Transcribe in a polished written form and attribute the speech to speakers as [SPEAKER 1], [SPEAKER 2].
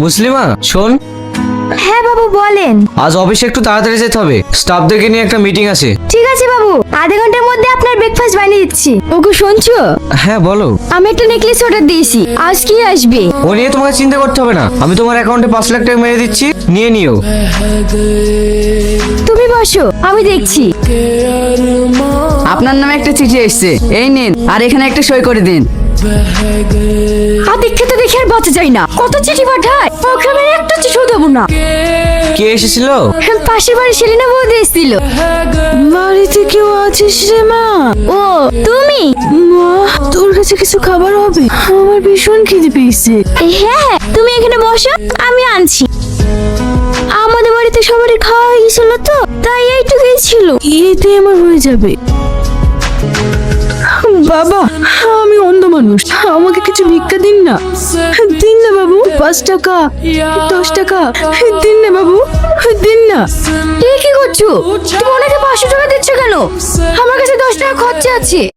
[SPEAKER 1] মুসলিমা শোন,
[SPEAKER 2] হ্যাঁ বাবু বলেন।
[SPEAKER 1] আজ অফিসে একটু তাড়াতাড়ি যেতে হবে, স্টাফদেরকে নিয়ে একটা মিটিং আছে।
[SPEAKER 2] ঠিক আছে বাবু, আধা ঘন্টার মধ্যে আপনার ব্রেকফাস্ট বানিয়ে দিচ্ছি। ওকে শুনছো?
[SPEAKER 1] হ্যাঁ বলো।
[SPEAKER 2] আমি একটা নেকলেস অর্ডার দিয়েছি, আজ কি আসবে?
[SPEAKER 1] ও নিয়ে তোমাকে চিন্তা করতে হবে না, আমি তোমার অ্যাকাউন্টে 5 লাখ টাকা মেরে দিচ্ছি, নিয়ে নিও।
[SPEAKER 2] তুমি বসো, আমি দেখছি।
[SPEAKER 3] আপনার নামে একটা চিঠি এসেছে, এই নিন, আর এখানে একটা সই করে দিন।
[SPEAKER 2] আর দেখে তো দেখে আর বাঁচা যায় না, কত চিঠি পাঠায়, ওকে আমি একটা চিঠিও দেবো না।
[SPEAKER 1] কে এসেছিল?
[SPEAKER 2] পাশের বাড়ি সেলিনা বৌদি এসেছিল। বাড়িতে কেউ আছিস রে মা? ও তুমি? মা, তোর কাছে কিছু খাবার হবে? আমার ভীষণ খিদে পেয়েছে। হ্যাঁ, তুমি এখানে বসো, আমি আনছি। আমাদের বাড়িতে সবারই খাওয়া হয়ে গেছিল তো, তাই এইটুকুই ছিল, এতে আমার হয়ে যাবে। বাবা, আমি অন্ধ মানুষ, আমাকে কিছু ভিক্ষা দিন না। দিন না বাবু, 5 টাকা 10 টাকা দিন না বাবু, দিন না। কি করছো তুমি? ওনাকে 500 টাকা দিচ্ছ কেন? আমার কাছে 10 টাকা খরচা আছে।